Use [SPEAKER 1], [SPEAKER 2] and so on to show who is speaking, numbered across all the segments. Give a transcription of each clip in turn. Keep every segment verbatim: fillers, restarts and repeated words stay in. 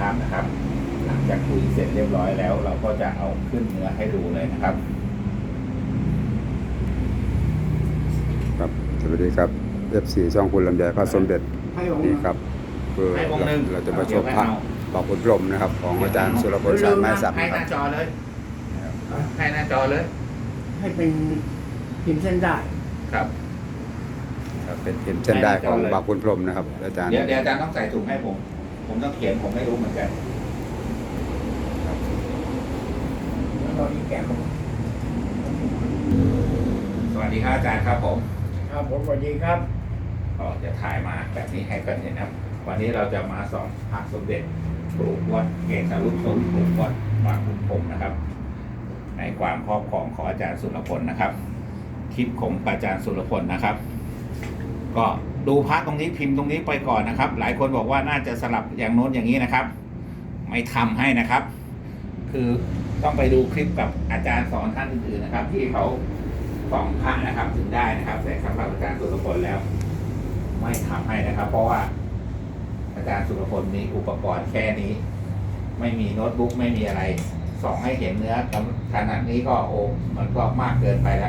[SPEAKER 1] ภาพนะครับหลังจากคุยเสร็จเรียบร้อยแล้ว เราก็จะเอาขึ้นเนื้อให้ดูเลยนะครับ
[SPEAKER 2] ครับสวัสดีครับ เอฟ ซี ช่องคุณลำไยพระสมเด็จ
[SPEAKER 3] ให้องค์
[SPEAKER 2] นี่ครับคือ
[SPEAKER 1] ให้องค์หนึ่ง
[SPEAKER 2] เราจะมาชมพระบางขุนพรหมนะครับ ของอาจารย์สุรพลสารไม้สัก
[SPEAKER 1] ให้
[SPEAKER 2] นะ
[SPEAKER 1] ห
[SPEAKER 2] ครั
[SPEAKER 1] น้า
[SPEAKER 2] บ
[SPEAKER 1] จอเลยให้หน้าจอเลย
[SPEAKER 3] ให้เป็นพิมพ์เส้นได้
[SPEAKER 1] ครับ
[SPEAKER 2] ครับเป็นพิมพ์เส้นได้ของบางขุนพรหมนะครับอาจารย์
[SPEAKER 1] เดี๋ยวเดี๋ยวอาจารย์ต้องใส่ถุงให้ผม ผมต้องเขียนผมไม่รู้เหมือนกัน
[SPEAKER 3] แล้วก็อีกแกะผม
[SPEAKER 1] สวัสดีครับอาจารย์ครับผม
[SPEAKER 3] ครับผมสวัสดีครับ
[SPEAKER 1] ก็จะถ่ายมาแบบนี้ให้กันเห็นนะครับ วันนี้เราจะมาสอนพระสมเด็จปลูกวัดเกศรุสมปลูกวัดบางขุนพรหมนะครับ ในความครอบครองของอาจารย์สุรพลนะครับ คลิปของอาจารย์สุรพลนะครับ ก็ดูพระตรงนี้พิมพ์ตรงนี้ไปก่อนนะครับ หลายคนบอกว่าน่าจะสลับอย่างโน้นอย่างนี้นะครับ ไม่ทำให้นะครับ คือต้องไปดูคลิปกับอาจารย์สอนท่านอื่นๆนะครับ ที่เขาส่องพระนะครับถึงได้นะครับ แต่สำหรับอาจารย์สุรพลแล้ว ไม่ทำให้นะครับ เพราะว่า อาจารย์สุรพลมีอุปกรณ์แค่นี้ ไม่มีโน้ตบุ๊กไม่มีอะไรส่องให้เห็นเนื้อขนาดนี้ก็โอ้มันก็มากเกินไปแล้ว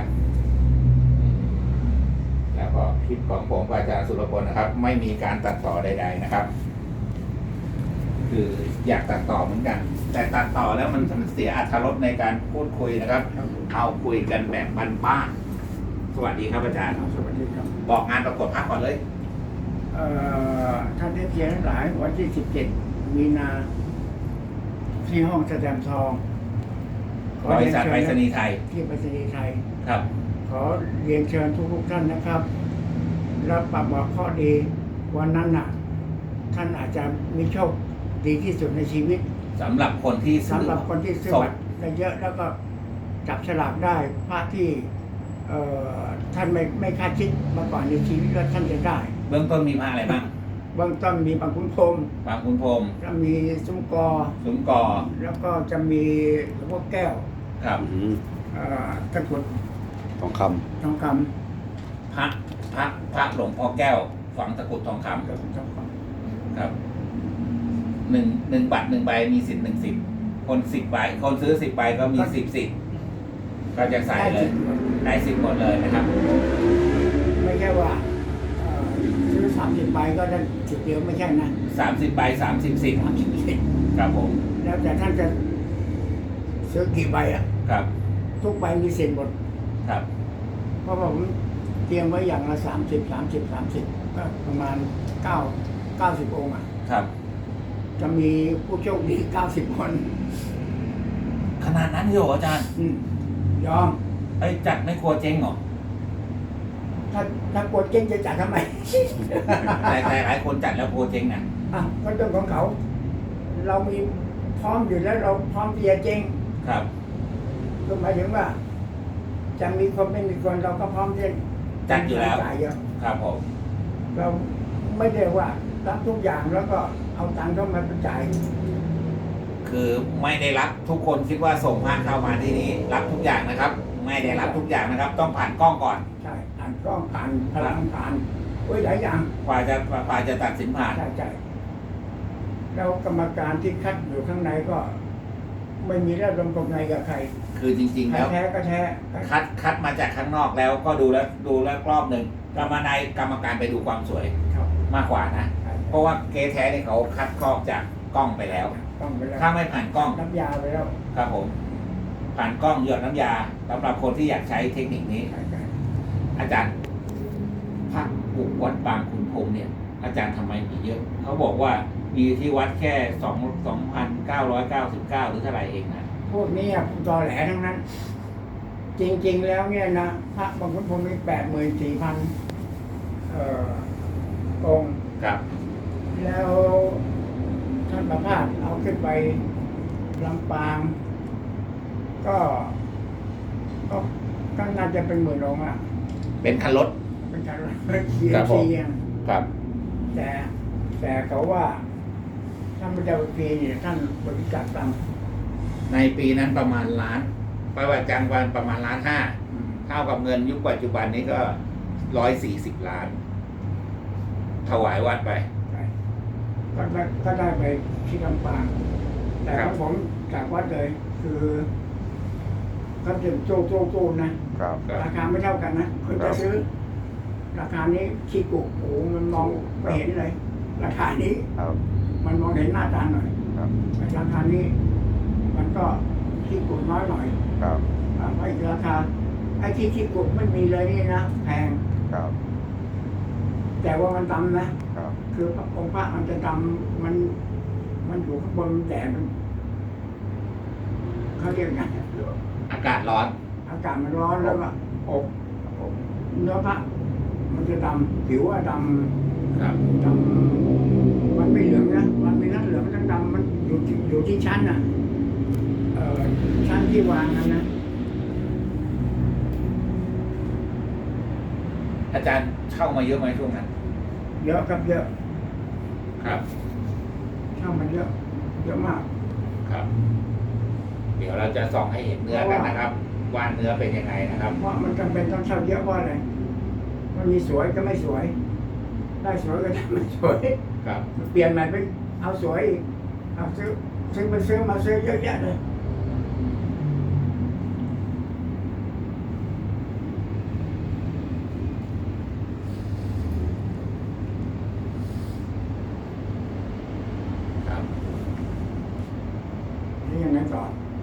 [SPEAKER 1] แล้วก็คลิปของผมกับอาจารย์สุรพลนะครับ ไม่มีการตัดต่อใด ๆนะครับ คืออยากตัดต่อเหมือนกัน แต่ตัดต่อแล้วมันเสียอรรถรสในการพูดคุยนะครับ เอาคุยกันแบบบ้านๆสวัสดีครับอาจารย์
[SPEAKER 3] สวัสดีครับ
[SPEAKER 1] บอกงานประกวดพักก่อนเลย
[SPEAKER 3] เอ่อท่านได้เขียนทั้งหลายวันที่สิบเจ็ดมีนาที่ห้องแสดงทองขอบ
[SPEAKER 1] ริษัทไปรษณีย์ไทย
[SPEAKER 3] ที่ไปรษณีย์ไทย
[SPEAKER 1] ครับ
[SPEAKER 3] ขอเรียนเชิญทุกๆท่านนะครับรับปรับบอกข้อดีวันนั้นน่ะ ท่านอาจจะมีโชคดีที่สุดในชีวิต
[SPEAKER 1] สำหรับคนที่ซื้อ
[SPEAKER 3] สำหรับคนที่ซื้อ
[SPEAKER 1] ส่ง
[SPEAKER 3] บัตรได้เยอะแล้วก็จับฉลากได้พระที่เอ่อท่านไม่ไม่คาดคิดมาก่อนในชีวิตว่าท่านจะได้
[SPEAKER 1] เบื้องต้นมีพระอะไรบ้าง
[SPEAKER 3] เบื้องต้นมีบางขุนพรหม
[SPEAKER 1] บางคุณพรหม
[SPEAKER 3] แล้วมีซุ้มกอ
[SPEAKER 1] สุมกอ
[SPEAKER 3] แล้วก็จะมีหลวงพ่อแก้ว
[SPEAKER 1] ครับ
[SPEAKER 2] อืม
[SPEAKER 3] เอ่อตะกรุด
[SPEAKER 2] ทองค
[SPEAKER 3] ทองค
[SPEAKER 1] พระพระพระหลวงพ่อแก้ว ฝังตะกรุดทองค
[SPEAKER 3] ำตะกรุดทองค
[SPEAKER 1] ำครับหนึ่งหนึ่งบัตรหนึ่งใบมีสิทธิ์หนึ่งสิบคนสิบใบคนซื้อสิบใบก็มีสิบสิทธิ์ก็จะ
[SPEAKER 3] ำ
[SPEAKER 1] ใส่
[SPEAKER 3] ได้
[SPEAKER 1] เล
[SPEAKER 3] สิ
[SPEAKER 1] ย
[SPEAKER 3] ทธิ์หมด
[SPEAKER 1] ได้สิบหมดเลยนะครับ
[SPEAKER 3] ไม่ใช่ว่าเอ่อซื้อสามสิบใบก็ได้สิบเดียวไม่ใช่นะ
[SPEAKER 1] สามสิบใบสามสิบสิทธิ์
[SPEAKER 3] สามสิบสิทธิ์
[SPEAKER 1] ครับผม
[SPEAKER 3] แล้วแต่ท่านจะซื้อกี่ใบอ่ะ
[SPEAKER 1] ครับ
[SPEAKER 3] ทุกใบมีสิทธิ์หมด
[SPEAKER 1] ครับ
[SPEAKER 3] เพราะผมเตรียมไว้อย่างละสามสิบสามสิบสามสิบก็ประมาณเก้าเก้าสิบองค์อ่ะ
[SPEAKER 1] ครับ
[SPEAKER 3] จะมีผู้โชคดีเก้าสิบคน
[SPEAKER 1] ขนาดนั้นเลยเหรออาจารย์
[SPEAKER 3] อืมยอม
[SPEAKER 1] ไอ้ยจัดไม่กลัวเจ๊งเหรอ
[SPEAKER 3] ถ้าถ้ากลัวเจ๊งจะจัดทำไม
[SPEAKER 1] แต่แต่หลายคนจัดแล้วกลัวเจ๊งนะ
[SPEAKER 3] อ่ะก็เรื่องของเขา เรามีพร้อมอยู่แล้วเราพร้อมที่จะเจ๊ง
[SPEAKER 1] ครับ
[SPEAKER 3] ก็หมายถึงว่า จะมีคนไม่มีคนเราก็พร้อมที่จะ
[SPEAKER 1] จัดอยู่แล้ว
[SPEAKER 3] จ่ายเยอะ
[SPEAKER 1] ครับผม
[SPEAKER 3] เราไม่ได้ว่ารับทุกอย่างแล้วก็เอาตังค์เข้ามาจ่าย
[SPEAKER 1] คือไม่ได้รับทุกคนคิดว่าส่งพระเข้ามาที่นี้รับทุกอย่างนะครับ ไม่ได้รับทุกอย่างนะครับ ต้องผ่านกล้องก่อน
[SPEAKER 3] ใช่ผ่านกล้องผ่านพลังผ่านโอ้ยหลายอย่าง
[SPEAKER 1] กว่าจะกว่าจะตัดสินผ่าน
[SPEAKER 3] ใช่ใช่แล้วกรรมการที่คัดอยู่ข้างในก็ ไม่มีเรื่องลมกบในกับใคร
[SPEAKER 1] คือจริง ๆ
[SPEAKER 3] ใคร
[SPEAKER 1] แล้ว
[SPEAKER 3] แท้ก็แท้
[SPEAKER 1] คัดคัดมาจากข้างนอกแล้วก็ดูแล้วดูแล้วรอบหนึ่งกรรมนายกรรมการไปดูความสวย
[SPEAKER 3] ครับ
[SPEAKER 1] มากกว่านะ
[SPEAKER 3] ใช่
[SPEAKER 1] เพราะว่าเกแท้เนี่ยเขาคัดครอบจากกล้องไปแล้ว
[SPEAKER 3] ต้องไปแล้ว
[SPEAKER 1] ถ้าไม่ผ่านกล้อง
[SPEAKER 3] น้ำยาไปแล้ว
[SPEAKER 1] ครับผม ผ่านกล้องหยดน้ำยาสำหรับคนที่อยากใช้เทคนิคนี้
[SPEAKER 3] ใช่ใช่
[SPEAKER 1] อาจารย์พระปลูกวัดบางขุนพรหมเนี่ย อาจารย์ทำไมมีเยอะ เขาบอกว่ามีที่วัดแค่สองสองพันเก้าร้อยเก้าสิบเก้าหรือเท่าไหร่เองนะ
[SPEAKER 3] พวกนี้ตอแหลทั้งนั้น จริง ๆ แล้วเนี่ยนะพระบางคนผมมีแปดหมื่นสี่พันเอ่อองค์
[SPEAKER 1] ครับ
[SPEAKER 3] แล้วท่านประพาสเอาขึ้นไปลำปาง ก็ก็ก็น่าจะเป็นหมื่นองค์อ่ะ
[SPEAKER 1] เป็นคันรถ
[SPEAKER 3] เป็นการเชีย
[SPEAKER 1] ครับ
[SPEAKER 3] ร์
[SPEAKER 1] ผม
[SPEAKER 3] เชียร์
[SPEAKER 1] ครับ
[SPEAKER 3] แต่แต่เขาว่าท่านพระเจ้าฟรีเนี่ยท่านบริจาคตังค์
[SPEAKER 1] ในปีนั้นประมาณล้านประวัติจังวันประมาณล้านห้า
[SPEAKER 3] อืม
[SPEAKER 1] เท่ากับเงินยุคปัจจุบันนี้ก็ร้อยสี่สิบล้าน ถวายวัดไป
[SPEAKER 3] ใช่ก็ได้ก็ได้ไปที่ลำปาง แต่ของผมจากวัดเลย คือเขาจะโจ้โจ้โจ้นะครับ ราคาไม่เท่ากันนะคนจะซื้อ ราคานี้ขี้กุโอ้โหมันมองไม่เห็นเลย ราคานี้
[SPEAKER 2] ครับ
[SPEAKER 3] มันมองเห็นหน้าตาหน่อย
[SPEAKER 2] ครับ
[SPEAKER 3] แต่ราคานี้ มันก็ขี้กุน้อยหน่อย
[SPEAKER 2] ครับ
[SPEAKER 3] อ่าเพราะอีกราคาไอ้ที่ขี้กุไม่มีเลยนี่นะแพง
[SPEAKER 2] ครับ
[SPEAKER 3] แต่ว่ามันดำนะครับ คือพระองค์พระมันจะดำมัน มันอยู่ข้างบนแต่มันเขาเรียกไง
[SPEAKER 1] อากาศร้อน
[SPEAKER 3] อากาศมันร้อนแล้วก็อบเนื้อพระมันจะดำผิวอะด
[SPEAKER 1] ครับ
[SPEAKER 3] ำดำมันไม่เหลืองนะมันไม่นั่นเหลืองทั้งดำมันอยู่ที่อยู่ที่ชั้นน่ะเอ่อชั้นที่วางนั่นนะ
[SPEAKER 1] อาจารย์เข้ามาเยอะไหมช่วงนั้น
[SPEAKER 3] เยอะครับเยอะ
[SPEAKER 1] ครับ
[SPEAKER 3] ช่างมันเยอะเยอะมาก
[SPEAKER 1] ครับ เดี๋ยวเราจะส่องให้เห็นเนื้อกันนะครับว่าเนื้อเป็นยังไงนะครับ
[SPEAKER 3] ว่ามันจำเป็นต้องเช่าเยอะเพราะอะไรมันมีสวยก็ไม่สวย ได้สวยก็ได้ไม่สวย
[SPEAKER 1] ครับ
[SPEAKER 3] เปลี่ยนใหม่เป็นเอาสวยอีกเอาซื้อซื้อไปซื้อมาซื้อเยอะแยะเลย
[SPEAKER 1] ครับ
[SPEAKER 3] นี่ยังไงต่อ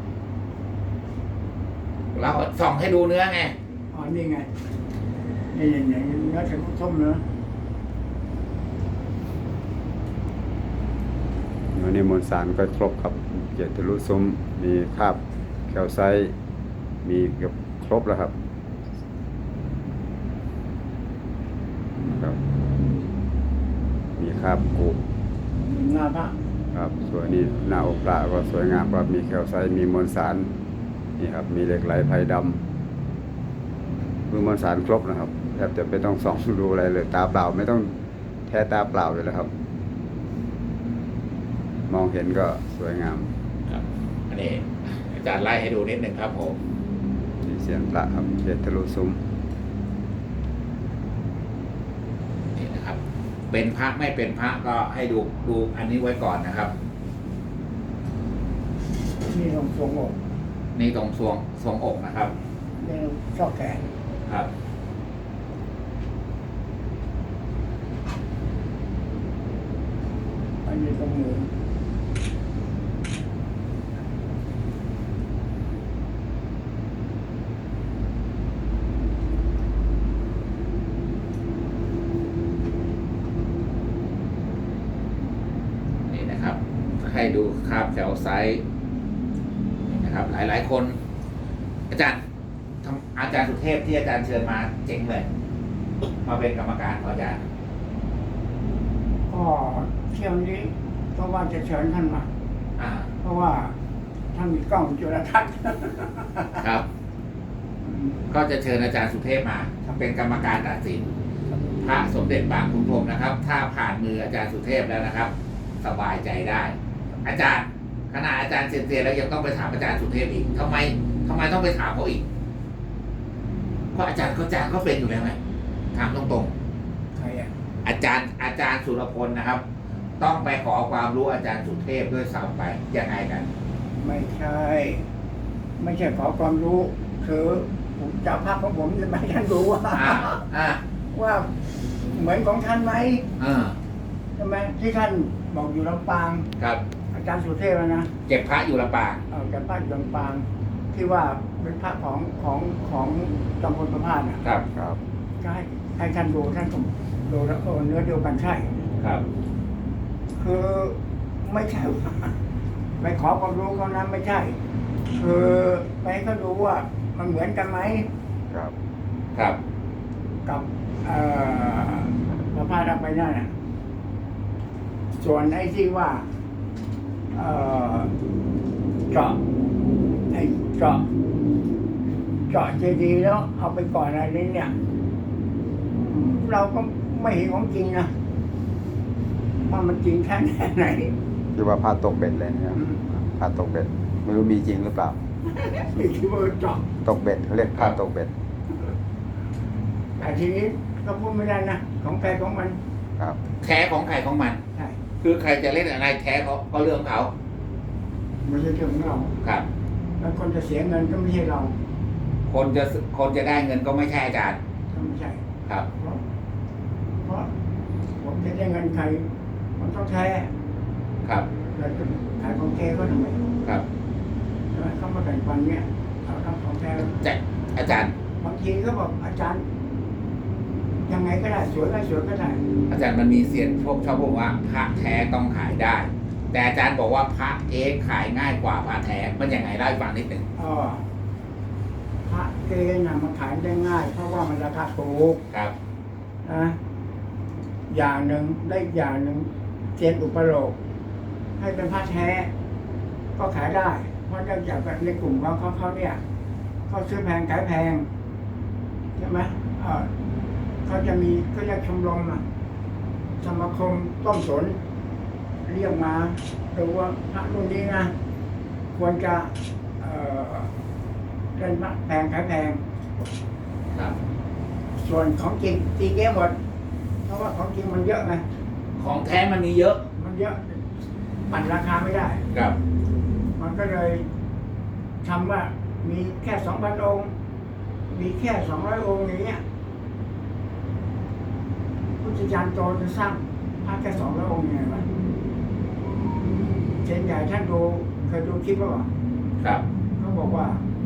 [SPEAKER 1] เราส่องให้ดูเนื้อไง
[SPEAKER 3] อ๋อนี่ไงนี่อย่างอย่างเนื้อส้มเนื้อ
[SPEAKER 2] วันนี้มวลสารก็ครบครับเกียรติทะลุซุ้มมีคราบแคลไซต์มีเกือบครบแล้วครับครับ มีคราบกุ
[SPEAKER 3] หน้าพระ
[SPEAKER 2] ครับส่วนนี้หน้าอกปลาก็สวยงามครับมีแคลไซต์มีมวลสารนี่ครับมีเหล็กไหลไพดำคือมวลสารครบนะครับแทบจะไม่ต้องส่องดูอะไรเลยตาเปล่าไม่ต้องแท้ตาเปล่าเลยนะครับ มองเห็นก็สวยงาม
[SPEAKER 1] ครับ อันนี้อาจารย์ไล่ให้ดูนิดหนึ่งครับผม
[SPEAKER 2] ที่เสียนพระครับเกียรติทะลุซุ้ม
[SPEAKER 1] นี่นะครับ เป็นพระไม่เป็นพระก็ให้ดูดูอันนี้ไว้ก่อนนะครับ
[SPEAKER 3] นี่ลงทรงอก
[SPEAKER 1] นี่ตรงทรวงทรวงอกนะครับ
[SPEAKER 3] นี่ชอบแขน
[SPEAKER 1] ครับ
[SPEAKER 3] อันนี้ตรงมือ
[SPEAKER 1] นี่นะครับ ให้ดูคราบแถวไซส์นี่นะครับ หลาย ๆ คน อาจารย์ทำอาจารย์สุเทพที่อาจารย์เชิญมาเจ๋งเลย มาเป็นกรรมการของอาจารย์
[SPEAKER 3] ก็เที่ยวนี้ก็ว่าจะเชิญท่านมา
[SPEAKER 1] อ่า
[SPEAKER 3] เพราะว่าท่านมีกล้องจุลทรรศน์
[SPEAKER 1] ครับ ก็จะเชิญอาจารย์สุเทพมาเป็นกรรมการตัดสินพระสมเด็จบางขุนพรหมนะครับ ถ้าผ่านมืออาจารย์สุเทพแล้วนะครับ สบายใจได้ อาจารย์ขณะอาจารย์เซียนเซียนแล้วยังต้องไปถามอาจารย์สุเทพอีกทำไมทำไมต้องไปถามเขาอีก เพราะอาจารย์เขาอาจารย์เขาเป็นอยู่แล้วไงถามตรง
[SPEAKER 3] ใครอ่ะ
[SPEAKER 1] ๆ อาจารย์อาจารย์สุรพลนะครับ ต้องไปขอความรู้อาจารย์สุเทพด้วยซ้ำไปยังไงกัน
[SPEAKER 3] ไม่ใช่ ไม่ใช่ขอความรู้คือผมจับภาพของผมจะไม่ให้ท่านรู้ว่า
[SPEAKER 1] อ่าอ่า
[SPEAKER 3] ว่าเหมือนของท่านไหม
[SPEAKER 1] อ่า
[SPEAKER 3] ใช่ไหมที่ท่านบอกอยู่ลำปาง
[SPEAKER 1] ครับ
[SPEAKER 3] อาจารย์สุเทพนะ
[SPEAKER 1] เก็บพระอยู่ลำปาง
[SPEAKER 3] เอาจากพระอยู่ลำปาง ที่ว่าเป็นพระของของของจอมพลประภาสน่ะ
[SPEAKER 1] ครับ
[SPEAKER 2] ครับ
[SPEAKER 3] ก็ให้ให้ท่านดูท่านก็ดูแล้วเออเนื้อเดียวกันใช่
[SPEAKER 1] ครับ
[SPEAKER 3] คือไม่ใช่ว่าไปขอความรู้เขานะไม่ใช่ คือไปให้เขาดูว่ามันเหมือนกันไหม
[SPEAKER 2] ครับ
[SPEAKER 1] ครับ
[SPEAKER 3] กับเอ่อพระพาทไปนั่นน่ะส่วนไอ้ที่ว่าเอ่อเจาะไอ้เจาะเจาะเจดีย์แล้วเอาไปก่อนอะไรนี้เนี่ย เราก็ไม่เห็นของจริงนะว่ามันจริงแค่ไหน
[SPEAKER 2] คือว่าพาตกเบ็ดเลยนะครับพาตกเบ็ดไม่รู้มีจริงหรือเปล่า
[SPEAKER 3] ที่ที่ว่าเจาะ
[SPEAKER 2] ตกเบ็ดเขาเรียกพาตกเบ็ด
[SPEAKER 3] แต่ทีนี้ก็พูดไม่ได้นะของใครของมัน
[SPEAKER 2] ครับ
[SPEAKER 1] แท้ของใครของมัน
[SPEAKER 3] ใช่
[SPEAKER 1] คือใครจะเล่นอะไรแท้เขาก็เรื่องของเขา
[SPEAKER 3] ไม่ใช่เรื่องของเรา
[SPEAKER 1] ครับ
[SPEAKER 3] แล้วคนจะเสียเงินก็ไม่ใช่เรา
[SPEAKER 1] คนจะคนจะได้เงินก็ไม่ใช่อาจารย์
[SPEAKER 3] ก็ไม่ใช่
[SPEAKER 1] ครับ
[SPEAKER 3] เพราะเพราะผมจะได้เงินใครมันต้องแท้
[SPEAKER 1] ครับ
[SPEAKER 3] แล้วจะขายของแท้ก็ทำไม
[SPEAKER 1] ครับ
[SPEAKER 3] ใช่ไหมเขามาแบ่งปันเนี่ยเขาทำของแท้
[SPEAKER 1] จะอาจารย์
[SPEAKER 3] บางทีเขาบอกอาจารย์ ยังไงก็ได้สวยก็สวยก็ได้
[SPEAKER 1] อาจารย์มันมีเสียนพวกชอบบอกว่าพระแท้ต้องขายได้ แต่อาจารย์บอกว่าพระเอกขายง่ายกว่าพระแท้มันยังไงเล่าให้ฟังนิดหนึ่ง
[SPEAKER 3] อ๋อพระเกณฑ์น่ะมันขายได้ง่าย เพราะว่ามันราคาถูก
[SPEAKER 1] ครับ
[SPEAKER 3] นะอย่างหนึ่งได้อย่างหนึ่งเซียนอุปโลกให้เป็นพระแท้ ก็ขายได้ เพราะเนื่องจากในกลุ่มของเขาเขาเนี่ยเขาซื้อแพงขายแพงใช่ไหมเออเขาจะมีเขาเรียกชมรมอะสมาคมต้มสนเรียกมาดูว่าพระรุ่นนี้นะควรจะเอ่อเล่นพระแพงขายแพง
[SPEAKER 1] ครับ
[SPEAKER 3] ส่วนของจริงตีเก้หมด เพราะว่าของจริงมันเยอะไง
[SPEAKER 1] ของแท้มันมีเยอะ
[SPEAKER 3] มันเยอะปั่นราคาไม่ได้
[SPEAKER 1] ครับ
[SPEAKER 3] มันก็เลยทำว่ามีแค่สองพันองค์ มีแค่สองร้อยองค์อย่างเงี้ยพุทธจารย์โตจะสร้างพระแค่สองร้อยองค์ยังไงวะเจนใหญ่ท่านดูเคยดูคลิปป่ะ
[SPEAKER 1] ครับ
[SPEAKER 3] เขาบอกว่า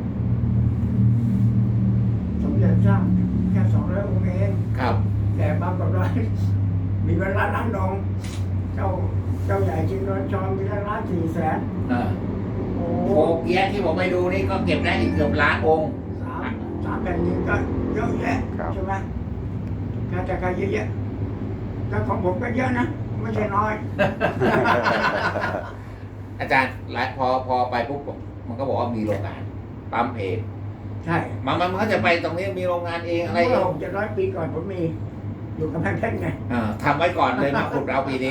[SPEAKER 3] สมเด็จสร้างแค่สองร้อยองค์เอง
[SPEAKER 1] ครับ
[SPEAKER 3] แต่บางกว่ามีเวลาล้านดองเจ้าเจ้าใหญ่จริงโดนจองมีล้านสี่แสน
[SPEAKER 1] เออ
[SPEAKER 3] โอ้
[SPEAKER 1] โคเกียะที่ผมไปดูนี่ก็เก็บได้อีกเกือบล้านองค์
[SPEAKER 3] สามสามแผ่นดินก็เยอะแยะ
[SPEAKER 2] ครับ
[SPEAKER 3] ใช่ไหมการจัดการเยอะแยะแล้วของผมก็เยอะนะ ไม่ใช่น้อย
[SPEAKER 1] อาจารย์หลายพอพอไปปุ๊บผมมันก็บอกว่ามีโรงงานปั๊มเอง
[SPEAKER 3] ใช่
[SPEAKER 1] มันมันมันก็จะไปตรงนี้มีโรงงานเองอะไร
[SPEAKER 3] เมื่
[SPEAKER 1] เอ
[SPEAKER 3] อง หกเจ็ดร้อยปีก่อนผมมี อยู่กับแพงเพชรไง
[SPEAKER 1] เออทำไว้ก่อนเลยมาขุดเอาปีนี้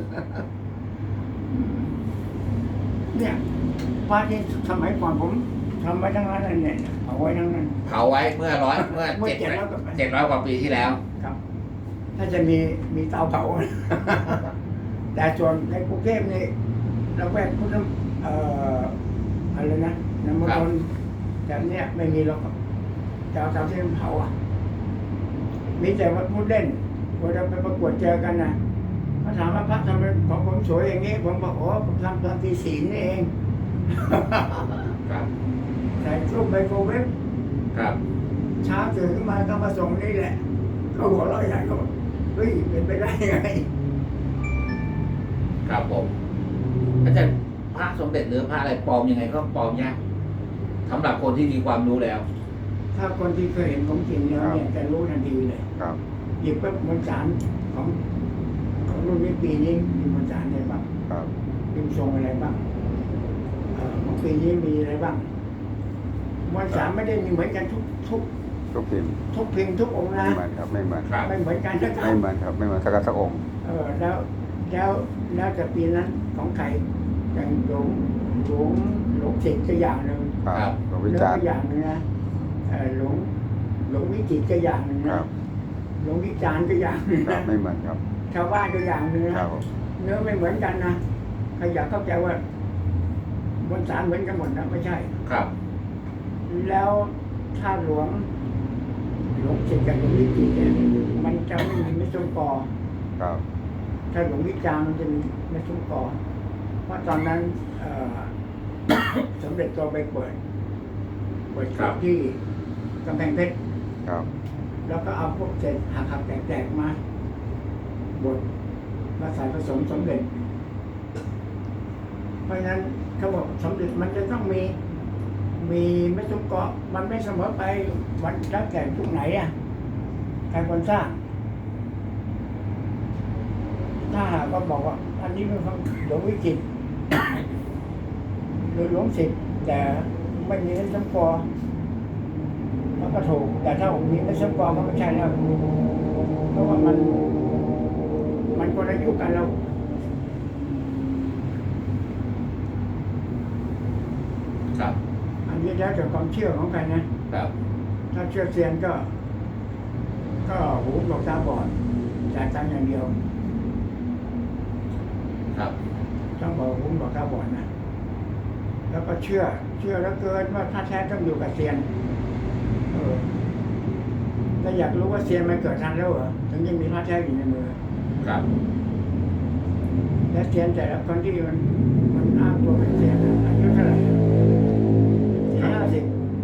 [SPEAKER 3] เนี่ยพระที่สมัยก่อนผมทำไว้ทั้งนั้นเลยเนี่ยเอาไว้ทั้งนั้น
[SPEAKER 1] เผาไว้เมื่อร้อยเมื่อ
[SPEAKER 3] เมื่อ
[SPEAKER 1] เจ็ด
[SPEAKER 3] เจ็ดร้อยกว่าปี
[SPEAKER 1] เจ็ดร้อยกว่าปีที่แล้ว
[SPEAKER 3] ครับ ถ้าจะมีมีเตาเผา แต่ส่วนในกรุงเทพนี่เราแวกพุทธเอ่ออะไรนะน้ำมันต์แต่เนี้ยไม่มีหรอกจะเอาเตาที่มันเผาอ่ะ มีแต่ว่าพูดเล่นพอเราไปประกวดเจอกันนะเขาถามว่าพระทำไมของผมสวยอย่างนี้ ผมบอกโอ้ผมทำตอนตีสี่นี่เอง
[SPEAKER 1] ครับ
[SPEAKER 3] ใส่รูปไมโครเวฟ
[SPEAKER 1] ครับ
[SPEAKER 3] เช้าตื่นขึ้นมาก็มาส่งนี่แหละก็หัวเราะใหญ่ก็บอกเฮ้ยเป็นไปได้ไง
[SPEAKER 1] ครับผมอาจารย์พระสมเด็จหรือพระอะไรปลอมยังไงก็ปลอมยากสำหรับคนที่มีความรู้แล้ว
[SPEAKER 3] ถ้าคนที่เคยเห็นของจริงแล้วเนี่ยจะรู้ทันทีเลย
[SPEAKER 2] ครับ
[SPEAKER 3] หยิบปุ๊บมวลสารของของรุ่นนี้ปีนี้มีมวลสารอะไรบ้าง
[SPEAKER 2] ครับ
[SPEAKER 3] พิมพ์ทรงอะไรบ้างเอ่อของปีนี้มีอะไรบ้างมวลสารไม่ได้มีเหมือนกันทุกทุก
[SPEAKER 2] ทุกพิมพ์
[SPEAKER 3] ทุกพิมพ์ทุกองค์
[SPEAKER 2] ไม่
[SPEAKER 3] นะ
[SPEAKER 2] เหมือนครับไม่เหมือน
[SPEAKER 1] ครับ
[SPEAKER 3] ไม่เหมือนกันนะครั
[SPEAKER 2] ไม่
[SPEAKER 3] บ
[SPEAKER 2] เหมือนครับไม่เหมือนสักสักองค์
[SPEAKER 3] เออแล้วแล้วแล้วแต่ปีนั้นของใครอย่างหลวงหลวงหลวงศิษย์ก็อย่างหนึ่ง
[SPEAKER 2] ครับหลวงวิ
[SPEAKER 3] แล้ว
[SPEAKER 2] จาร
[SPEAKER 3] ก็
[SPEAKER 2] ณ์
[SPEAKER 3] อย่างหนึงนะเอ่อหลวงหลวงวิจิตรก็อย่างหนึ่ง
[SPEAKER 2] ค
[SPEAKER 3] นะ
[SPEAKER 2] รับ
[SPEAKER 3] หลวงวิจารณ์ก็อย่างหนึ่ง
[SPEAKER 2] ครั
[SPEAKER 3] นะ
[SPEAKER 2] บไม่เหมือนครับ
[SPEAKER 3] ชาวบ้านก็อย่างหนึ่ง
[SPEAKER 2] ค
[SPEAKER 3] นะ
[SPEAKER 2] รับผม
[SPEAKER 3] เนื้อไม่เหมือนกันนะใครอยากเข้าใจว่าบนสารเหมือนกันหมดนะไม่ใช่
[SPEAKER 1] ครับ
[SPEAKER 3] แล้วถ้าหลวงหลวงศิษย์กับหลวงวิจิตรเนี่ยมันจะไม่มีเม็ดส้มกอ
[SPEAKER 2] ครับ
[SPEAKER 3] ถ้าหลวงวิจารณ์มันจะมีเม็ดส้มกอเพราะตอนนั้นเอ่อ สมเด็จโตไปเปิดเปิด
[SPEAKER 1] ครับ
[SPEAKER 3] ที่กำแพงเพชร
[SPEAKER 2] ครับ
[SPEAKER 3] แล้วก็เอาพวกเศษหักหักๆแตกๆมาบดมาใส่ผสมสมเด็จ เพราะฉะนั้นเขาบอกสมเด็จมันจะต้องมี มีไม่ทุกเกาะมันไม่เสมอไปวันแล้วแต่ทุกไหนอ่ะใครคนสร้าง ถ้าหากว่าบอกว่า อันนี้เป็นของหลวงวิจิตร หรือหลวงศิษย์แต่ไม่มีเม็ดส้มกอมันก็ถูก แต่ถ้าผมมีเม็ดส้มกอมันก็ใช่แล้วเพราะว่ามัน มันคนละยุคกันแล้ว
[SPEAKER 1] ครับ
[SPEAKER 3] อันนี้แล้วแต่ความเชื่อของใครนะ
[SPEAKER 1] ครับ
[SPEAKER 3] ถ้าเชื่อเซียนก็ ก็หูหนวกตาบอดจ่ายตังค์อย่างเดียว
[SPEAKER 1] ครับ
[SPEAKER 3] ต้องบอกผมบอกตาบอดนะแล้วก็เชื่อ เชื่อแล้วเกินว่าพระแท้ต้องอยู่กับเซียนเออถ้าอยากรู้ว่าเซียนมันเกิดทันแล้วเหรอถึงยังมีพระแท้อยู่ในมือ
[SPEAKER 1] ครับ
[SPEAKER 3] และเซียนแต่ละคนที่มันมันอ้างตัวเป็นเซียนอะอายุเท่าไหร่สี่ห้าสิบ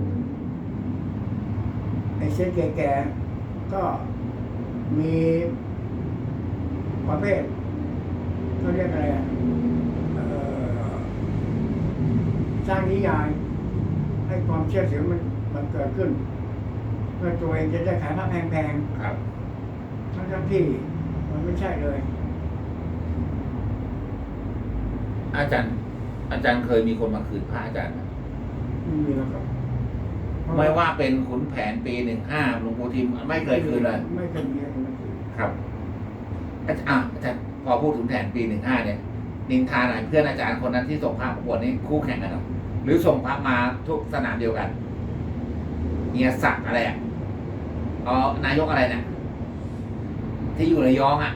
[SPEAKER 3] ไอ้เซียนแก่ๆก็มีประเภทเขาเรียกอะไรอ่ะเอ่อสร้างนิยายให้ความเชื่อถือมันมันเกิดขึ้น เพื่อตัวเองจะได้ขายผ้าแพง
[SPEAKER 1] ครับ
[SPEAKER 3] ๆทั้งๆที่มันไม่ใช่เลย
[SPEAKER 1] อาจารย์ อาจารย์เคยมีคนมาคืนพระอาจารย์ไหม
[SPEAKER 3] ไม่มีหรอกครับ
[SPEAKER 1] ไม่ว่าเป็นขุนแผนปีหนึ่งห้าหลวงปู่ทิมไม่เคยคืนเลย
[SPEAKER 3] ไม่เคยมีอะไรมาคืน
[SPEAKER 1] ครับอาจารย์อ่ะอาจารย์พอพูดถึงแผนปีหนึ่งห้าเนี่ย นินทาหน่อยเพื่อนอาจารย์คนนั้นที่ส่งพระประกวดนี่คู่แข่งกันเหรอหรือส่งพระมาทุกสนามเดียวกันเฮียศักดิ์อะไรอ่ะอ๋อนายกอะไรเนี่ยที่อยู่ระยองอ่ะ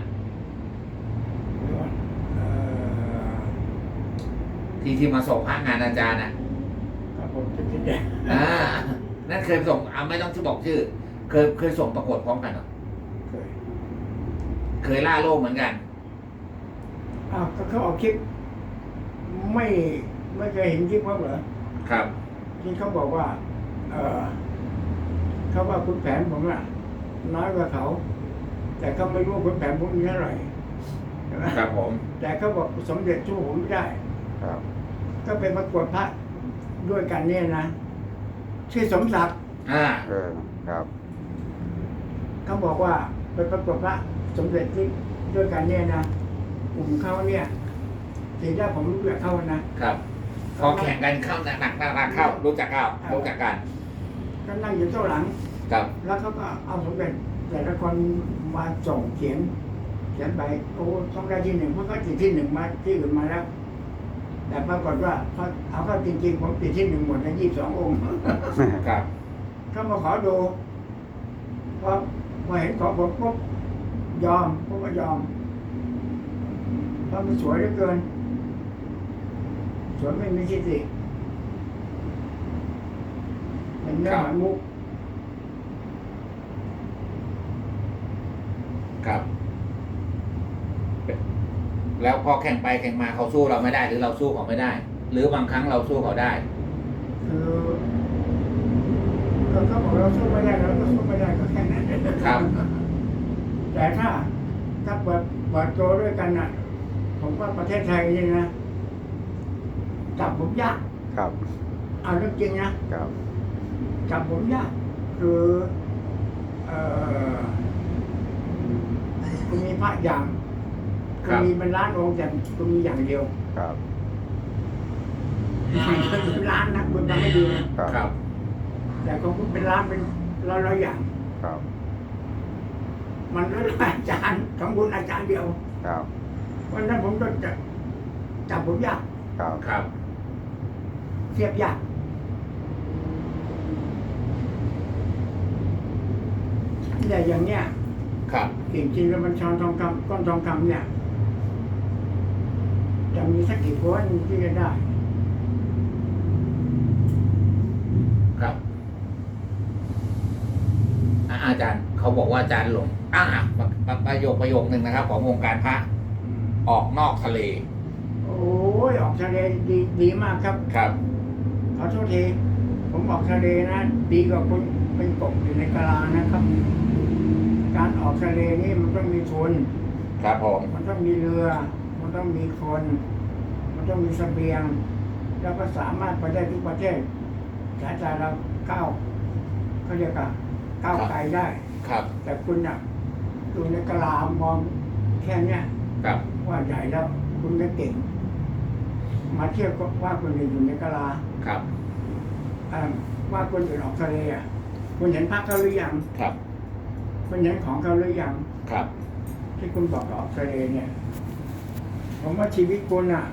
[SPEAKER 3] เอ่อ
[SPEAKER 1] ที่ที่มาส่งพระงานอาจารย์อ่ะ
[SPEAKER 3] ครับผมจะคิดอย่าง
[SPEAKER 1] อ่านั่นเคยส่งอ่าไม่ต้องที่บอกชื่อ เคยเคยส่งประกวดพร้อมกันเหรอ
[SPEAKER 3] เคย
[SPEAKER 1] เคยล่าโลกเหมือนกัน
[SPEAKER 3] อ้าวก็เขาเอาคลิปไม่ไม่เคยเห็นคลิปเขาเหรอ
[SPEAKER 1] ครับ
[SPEAKER 3] ที่เขาบอกว่า เออเขาว่าคุณแผนผมอะน้อยกว่าเขา แต่เขาไม่รู้ว่าคุณแผนผมมีเท่าไหร่ใช่ไหม
[SPEAKER 1] ครับผม
[SPEAKER 3] แต่เขาบอกสมเด็จสู้ผมไม่ได้
[SPEAKER 2] ครับ
[SPEAKER 3] ก็เป็นประกวดพระด้วยกันเนี่ยนะชื่อสมศักดิ์
[SPEAKER 1] อ่า
[SPEAKER 2] เออครับ
[SPEAKER 3] เขาบอกว่าเป็นประกวดพระสมเด็จที่ด้วยกันเนี่ยนะกลุ่มเขาเนี่ยทีแรกผมรู้จักเขานะครับ
[SPEAKER 1] พอแข่งกันเข้าหนักหนักหนักเข้า รู้จักเข้ารู้จักกัน
[SPEAKER 3] ก็นั่งอยู่โต๊ะหลัง
[SPEAKER 1] ครับ
[SPEAKER 3] แล้วเขาก็เอาสมเด็จแต่ละคนมาส่งเขียน เขียนไปโอ้ต้องได้ที่หนึ่งเพราะเขาติดที่หนึ่งมาที่อื่นมาแล้ว แต่ปรากฏว่าเขาเอาเข้าจริงๆผมติดที่หนึ่งหมดในยี่สิบสององค์
[SPEAKER 1] ครับ
[SPEAKER 3] เขามาขอดูพอพอเห็นของผมปุ๊บยอมผมก็ยอมเพราะมันสวยเหลือเกิน สวยไม่มีที่ติเป็นเนื้อหามุก
[SPEAKER 1] ครับ แล้วพอแข่งไปแข่งมาเขาสู้เราไม่ได้ หรือเราสู้เขาไม่ได้ หรือบางครั้งเราสู้เขาได้
[SPEAKER 3] คือก็เขาบอกเราสู้ไม่ได้เราก็สู้ไม่ได้ก็แค่นั้น
[SPEAKER 1] ครับ
[SPEAKER 3] แต่ถ้าถ้าเปิดเปิดตัวด้วยกันน่ะ ผมว่าประเทศไทยนี่นะจับผมยาก
[SPEAKER 2] ครับ
[SPEAKER 3] เอาเรื่องจริงนะครับ จับผมยากคือเอ่อคุณมีพระอย่าง
[SPEAKER 1] ค
[SPEAKER 3] คุ
[SPEAKER 1] รั
[SPEAKER 3] ณ
[SPEAKER 1] บ
[SPEAKER 3] มีเป็นล้านองค์แต่คุณมีอย่างเดียว
[SPEAKER 2] ครับ
[SPEAKER 3] เป็นล้านนะคุณทำไม่ดีนะครับ
[SPEAKER 1] ครับ
[SPEAKER 3] แต่ของคุณเป็นล้านเป็นร้อยร้อยๆอย่าง
[SPEAKER 2] ครับ
[SPEAKER 3] มันร้อยร้อยอาจารย์ของคุณอาจารย์เดียว
[SPEAKER 2] ครับ
[SPEAKER 3] วันนั้นผมก็จะจับผมยาก
[SPEAKER 2] ครับ
[SPEAKER 1] ครับ
[SPEAKER 3] เทียบยากแต่อย่างเนี้ย
[SPEAKER 1] ครับ
[SPEAKER 3] จริงๆแล้วมันชอนทองคำก้อนทองคำเนี่ย จะมีสักกี่คนที่จะได้
[SPEAKER 1] ครับอ่ะอาจารย์เขาบอกว่าอาจารย์หลงอ่าประประโยคประโยคหนึ่งนะครับ ของวงการพระออกนอกทะเล
[SPEAKER 3] โอ้ยออกทะเลดีดีมากครับ
[SPEAKER 1] ครับ
[SPEAKER 3] ขอโทษทีผมออกทะเลนะ ดีกว่าคุณเป็นกบอยู่ในกะลานะครับ การออกทะเลนี่มันต้องมีทุน
[SPEAKER 1] ครับผม
[SPEAKER 3] มันต้องมีเรือ มันต้องมีคน มันต้องมีเสบียง แล้วก็สามารถไปได้ทุกประเทศสายตาเราก้าวเขาเรียกว่าก้าวไกลได้
[SPEAKER 1] ครับ
[SPEAKER 3] แต่คุณน่ะดูในกะลามองแค่เนี้ย
[SPEAKER 1] ครับ
[SPEAKER 3] ว่าใหญ่แล้ว คุณก็เก่ง มาเทียบกับว่าคนอื่นอยู่ในกะลา
[SPEAKER 1] ครับ
[SPEAKER 3] เอ่อว่าคนอื่นออกทะเลอ่ะคุณเห็นภาพเขาหรือยัง
[SPEAKER 1] ครับ
[SPEAKER 3] คุณเห็นของเขาหรือยัง
[SPEAKER 1] ครับ
[SPEAKER 3] ที่คุณบอกออกทะเลเนี่ย ผมว่าชีวิตคุณอ่ะ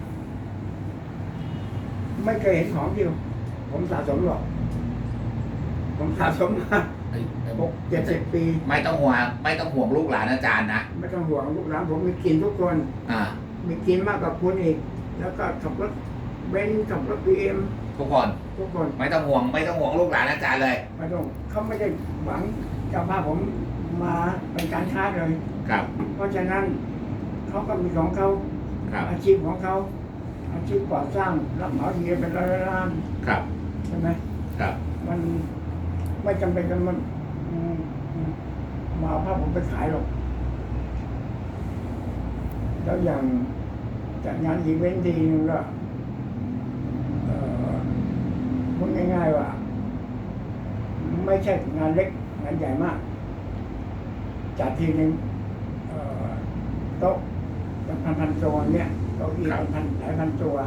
[SPEAKER 3] ไม่เคยเห็นของเดียว ผมสะสมหรอก ผมสะสมมาหกเจ็ดสิบปี
[SPEAKER 1] ไม่ต้องห่วงไม่ต้องห่วงลูกหลานอาจารย์นะ
[SPEAKER 3] ไม่ต้องห่วงลูกหลานผมมีกินทุกคน
[SPEAKER 1] อ่า
[SPEAKER 3] มมีกินมากกว่าคุณอีก แล้วก็ขับรถเบนซ์ขับรถบีเอ็ม
[SPEAKER 1] ทุกคน
[SPEAKER 3] ทุกคน
[SPEAKER 1] ไม่ต้องห่วงไม่ต้องห่วงลูกหลานอาจารย์เลย
[SPEAKER 3] ไม่ต้องเขาไม่ได้หวังจะพาผมมาเป็นการค้าเลย
[SPEAKER 1] ครับ
[SPEAKER 3] เพราะฉะนั้นเขาก็มีของเขา
[SPEAKER 1] ครับ
[SPEAKER 3] อาชีพของเขาอาชีพก่อสร้างรับเหมาทีเป็นร้อยล้าน
[SPEAKER 1] ครับ
[SPEAKER 3] ใช่ไหม
[SPEAKER 1] ครับ
[SPEAKER 3] มันไม่จำเป็นจะมันอืมอืมมาเอาภาพผมไปขายหรอกแล้วอย่างจัดงานอีเวนต์ทีนึงก็เอ่อพูดง่ายๆว่า ไม่ใช่งานเล็กงานใหญ่มากจัดทีนึงเอ่อโต๊ะเป็นพันๆตัวเนี่ยเก้าอี้เป็นพันหลายพันตัว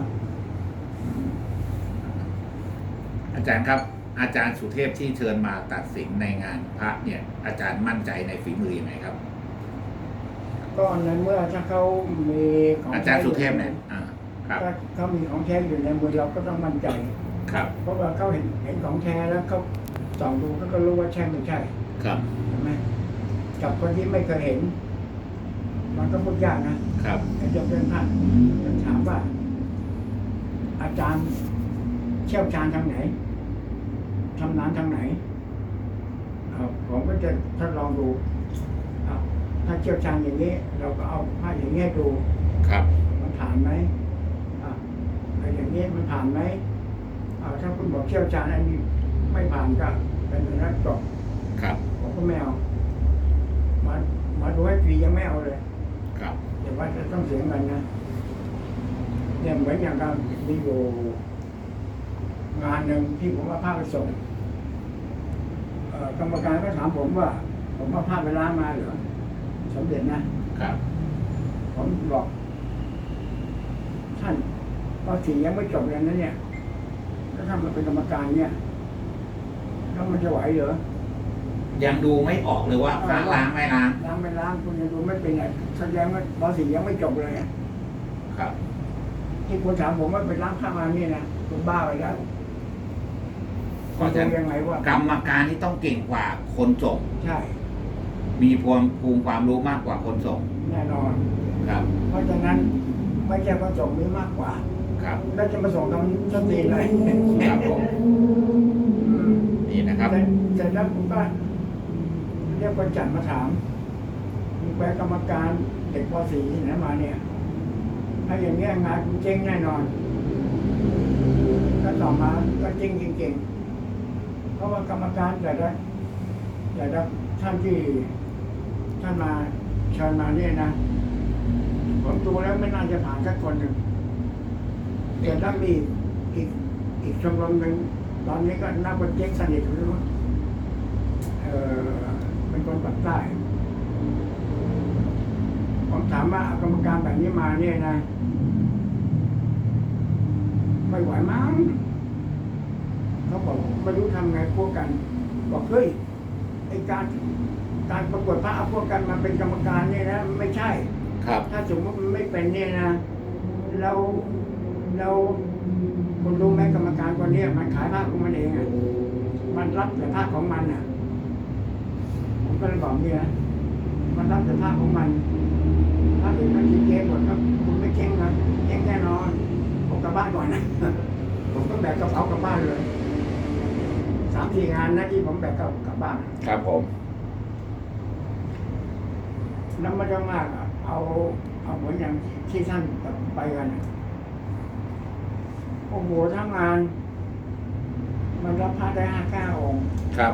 [SPEAKER 1] อาจารย์ครับ อาจารย์สุเทพที่เชิญมาตัดสินในงานพระเนี่ย อาจารย์มั่นใจในฝีมือยังไงครับ
[SPEAKER 3] ก็ในเมื่อถ้าเขามีของ
[SPEAKER 1] อาจารย์สุเทพเนี่ยอ่าครับ
[SPEAKER 3] ถ้าเขามีของแท้อยู่ในมือเราก็ต้องมั่นใจ
[SPEAKER 1] ครับ
[SPEAKER 3] เพราะว่าเขาเห็นเห็นของแท้แล้วเขาส่องดูเขาก็รู้ว่าใช่ไม่ใช่
[SPEAKER 1] ครับ
[SPEAKER 3] ใช่ไหมกับคนที่ไม่เคยเห็น มันก็พูดยากนะครับ ไอ้เจ้าเป็นพระจะถามว่า อาจารย์เชี่ยวชาญทางไหนชำนาญทางไหนเอาผมก็จะทดลองดูเอาถ้าเชี่ยวชาญอย่างนี้ เราก็เอาผ้าอย่างนี้ให้ดู
[SPEAKER 1] ครับ
[SPEAKER 3] มันผ่านไหมอ่าไอ้อย่างนี้มันผ่านไหมอ่าถ้าคุณบอกเชี่ยวชาญอันนี้ไม่ผ่านก็เป็นอย่างนั้นจบ
[SPEAKER 1] ครับ
[SPEAKER 3] ผมก็ไม่เอามามาดูให้ฟรียังไม่เอาเลย
[SPEAKER 1] ครับ
[SPEAKER 3] แต่ว่าจะต้องเสียเงินนะเนี่ยเหมือนอย่างเรามีอยู่งานหนึ่งที่ผมว่าผ้าไปส่งเอ่อกรรมการก็ถามผมว่า ผมว่าผ้าไปล้างมาเหรอสมเด็จนะครับ ผมบอก ท่านปอสี่ยังไม่จบเลยนะเนี่ยแล้วถ้ามันเป็นกรรมการเนี่ยแล้วมันจะไหวเหรอ
[SPEAKER 1] ยังดูไม่ออกเลยว่าพระล้างไม่ล้าง
[SPEAKER 3] ล้างไม่ล้างคุณยังดูไม่เป็นไงแสดงว่าปอสี่ยังไม่จบเลยอะ
[SPEAKER 1] ครับ
[SPEAKER 3] ที่คุณถามผมว่าไปล้างผ้ามาเนี่ยนะคุณบ้าไปแล้ว
[SPEAKER 1] เพราะฉะนั้น
[SPEAKER 3] ดูยังไงว่าก
[SPEAKER 1] รรมการที่ต้องเก่งกว่าคนส่ง
[SPEAKER 3] ใช่
[SPEAKER 1] มีภูมิภูมิความรู้มากกว่าคนส่ง
[SPEAKER 3] แน่นอน
[SPEAKER 1] ครับ
[SPEAKER 3] เพราะฉะนั้นไม่ใช่ว่าส่งมีมากกว่า
[SPEAKER 1] ครับ
[SPEAKER 3] แล้วจะมาส่งทำส้นตีนเลย
[SPEAKER 1] ครับผม
[SPEAKER 3] อืม
[SPEAKER 1] นี่นะครับ
[SPEAKER 3] เสร็จเสร็จแล้วผมก็เรียกคนจัดมาถามมีแปลกรรมการเด็กป .สี่ ที่ไหนมาเนี่ย ถ้าอย่างเงี้ยงานคุณเจ๊งแน่นอน ก็ต่อมาก็เจ๊งจริงๆ เพราะว่ากรรมการแต่ละแต่ละท่านที่ท่านมาเชิญมาเนี่ยนะ ผมดูแล้วไม่น่าจะผ่านสักคนหนึ่งแต่ถ้ามีอีกอีกชมรมหนึ่งตอนนี้ก็นับว่าเจ๊งสนิทเลยว่าเออเป็นคนปักใต้ ผมถามว่าเอากรรมการแบบนี้มาเนี่ยนะ ไม่ไหวมั้งเขาบอกไม่รู้ทำไงพวกกัน บอกเฮ้ยไอการการประกวดพระเอาพวกกันมาเป็นกรรมการเนี่ยนะไม่ใช่
[SPEAKER 1] ครับ
[SPEAKER 3] ถ้าสมมติมันไม่เป็นเนี่ยนะเราเราคุณรู้ไหมกรรมการคนเนี้ยมันขายผ้าของมันเองอ่ะมันรับแต่ผ้าของมันอ่ะ ผมก็เลยบอกเนี่ยนะมันรับแต่ผ้าของมันถ้าอื่นมันกินเจ๊งหมดก็คุณไม่เจ๊งนะเจ๊งแน่นอนผมกลับบ้านก่อนนะ ผมก็แบกกระเป๋ากลับบ้านเลยสามสี่งานนะที่ผมแบกกลับบ้าน
[SPEAKER 1] ครับผม
[SPEAKER 3] น้ำมันจะมากอะเอาเอาเหมือนอย่างที่ท่านไปกันอะโอ้โหทั้งงาน มันรับพระได้ห้าเก้าองค์
[SPEAKER 1] ครับ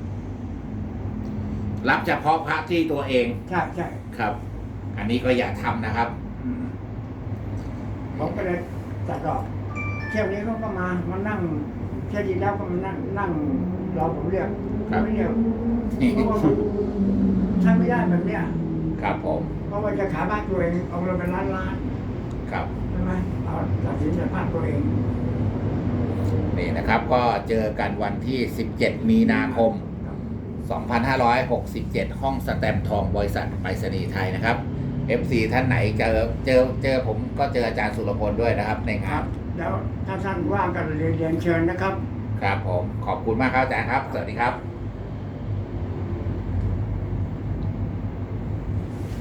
[SPEAKER 1] รับเฉพาะพระที่ตัวเอง
[SPEAKER 3] ใช่ใช่
[SPEAKER 1] ครับ อันนี้ก็อย่าทำนะครับ
[SPEAKER 3] อืมผมก็เลยจัดดอกเที่ยวนี้เขาก็มามานั่งเที่ยวที่แล้วก็มานั่งนั่งรอผมเรียก
[SPEAKER 1] ครับ
[SPEAKER 3] ไม่เรียกเพราะว่ามันใช้ไม่ได้แบบเนี้ย
[SPEAKER 1] ครับผม
[SPEAKER 3] เพราะว่าจะขายบ้านตัวเองเอาเราเป็นล้านล้าน
[SPEAKER 1] ครับ
[SPEAKER 3] ใช่ไหมเอาตัดสินใจบ้านตัวเอง
[SPEAKER 1] นี่นะครับ ก็เจอกันวันที่ สิบเจ็ด มีนาคม สองพันห้าร้อยหกสิบเจ็ด ห้องสแตมป์ทองบริษัทไปรษณีย์ไทยนะครับ เอฟ ซี ท่านไหนเจอเจอเจอผมก็เจออาจารย์สุรพลด้วยนะครับ ใน
[SPEAKER 3] ค
[SPEAKER 1] งา
[SPEAKER 3] รั
[SPEAKER 1] น
[SPEAKER 3] บ แล้วถ้าท่านว่างก็เรียนเรียนเชิญนะครับ
[SPEAKER 1] ครับผม ขอบคุณมากครับอาจารย์ครับ สวัสดีครับ